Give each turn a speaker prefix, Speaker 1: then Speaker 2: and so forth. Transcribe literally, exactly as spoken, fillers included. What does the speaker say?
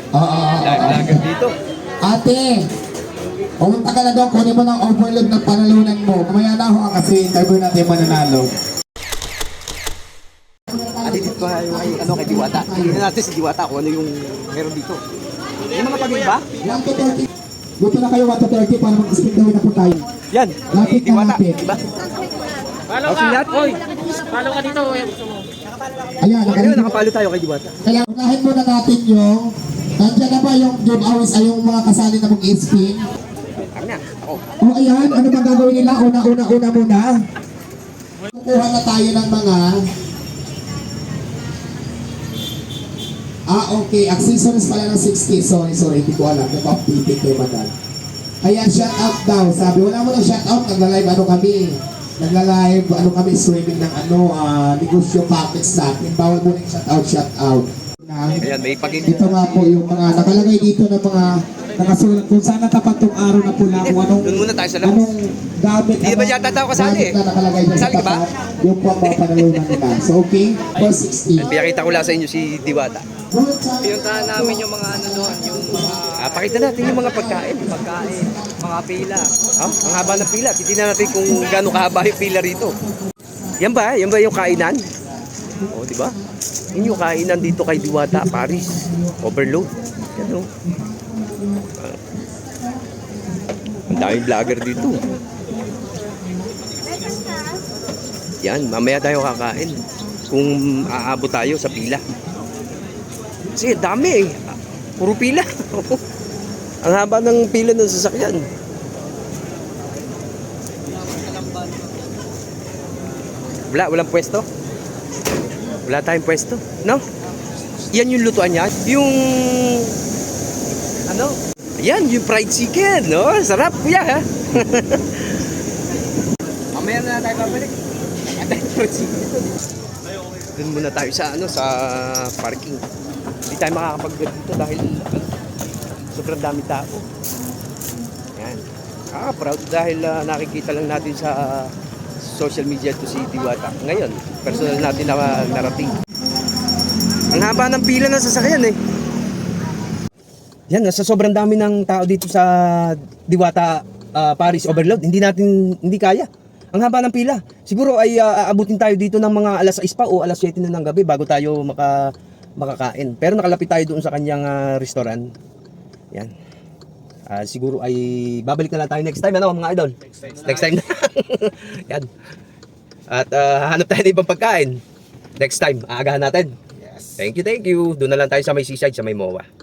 Speaker 1: Oo.
Speaker 2: Lagan dito.
Speaker 1: Ate, pumunta ka na doon, kunin mo ng overload ng panalunan mo. Kumaya na ako kasi interview natin yung mananalo.
Speaker 2: Alipit ko yung kay, ano, kay Diwata. Tingnan natin si Diwata kung ano yung meron dito. Yung mga pagin ba?
Speaker 1: one to thirty. Dito na kayo one to thirty para mag-spin daw na po tayo.
Speaker 2: Yan.
Speaker 1: Lapit na
Speaker 2: Diwata.
Speaker 1: lapit.
Speaker 2: Diba?
Speaker 3: Follow ka! Hoy! Follow ka dito! Eh.
Speaker 1: Ayan,
Speaker 2: Ayun,
Speaker 1: nakarin.
Speaker 2: nakapalo tayo kay Diwata.
Speaker 1: Kaya unahin muna natin yung, nandiyan na ba yung job hours ay yung mga kasali na mag-spin?
Speaker 2: Kami na. Ako.
Speaker 1: O ayan, ano bang gagawin nila? Una, una, una muna. Kukuha na tayo ng mga Ah, okay. Accessories pala ng sixty. Sorry, sorry. Hindi ko alam. Napa-update kay Madal. Ayan, shout out daw. Sabi, wala mo ng shout out. Nagla-live ano kami. Nagla-live ano kami. Streaming ng ano, ah, negosyo packets natin. Bawal mo ng shout out, shout out.
Speaker 2: Ayan, may pagin.
Speaker 1: Ito nga po yung mga nakalagay dito ng mga nakasulat kung saan natapat tong araw na pula kung anong
Speaker 2: Doon muna tayo sa labas.
Speaker 1: anong gamit
Speaker 2: Hindi ba yata tao kasali
Speaker 1: gamit
Speaker 2: eh?
Speaker 1: na nakalagay dyan sa
Speaker 2: Kasali ka ba?
Speaker 1: tapat yung po ang mga panalunan nila. So okay, four sixty.
Speaker 2: Pinakita ko lang sa inyo si Diwata.
Speaker 3: Pinuntahan namin yung mga ano doon, yung mga
Speaker 2: Ah, pakita natin yung mga pagkain.
Speaker 3: pagkain, mga pila.
Speaker 2: Oh, ang haba ng pila. Titignan natin kung gaano kahaba yung pila rito. Yan ba? Yan ba yung kainan? O, di ba? Yun yung kainan dito kay Diwata, Paris. Overload. Yan o. Ah. Ang daming vlogger dito. Yan, mamaya tayo kakain. Kung aabot tayo sa pila. Kasi dami eh. Puro pila. Ang haba ng pila ng sasakyan. Wala, walang pwesto. Wala tayong pwesto, no? Yan yung lutuan niya. Yung ano? Yan, yung fried chicken, no? Sarap, kuya, ha? Mamaya na tayo babalik. At fried chicken. Doon muna tayo sa ano, sa parking. Hindi tayo makakapag-grab dito dahil ano, sobrang dami tao. Yan. Ah, proud dahil uh, nakikita lang natin sa uh, social media to si Diwata. Ngayon, personal natin na narating. Ang haba ng pila ng sasakyan eh. Yan, sa sobrang dami ng tao dito sa Diwata uh, Paris Overload, hindi natin, hindi kaya. Ang haba ng pila. Siguro ay uh, aabutin tayo dito ng mga alas sais pa o alas siyete na ng gabi bago tayo maka, makakain. Pero nakalapit tayo doon sa kanyang uh, restaurant. Yan. Uh, siguro ay babalik na lang tayo next time, ano mga idol? Next time na. Next time na. Yan. At uh, hanap tayo ng ibang pagkain. Next time, aagahan natin. Yes. Thank you, thank you. Doon na lang tayo sa may seaside, sa may M O A.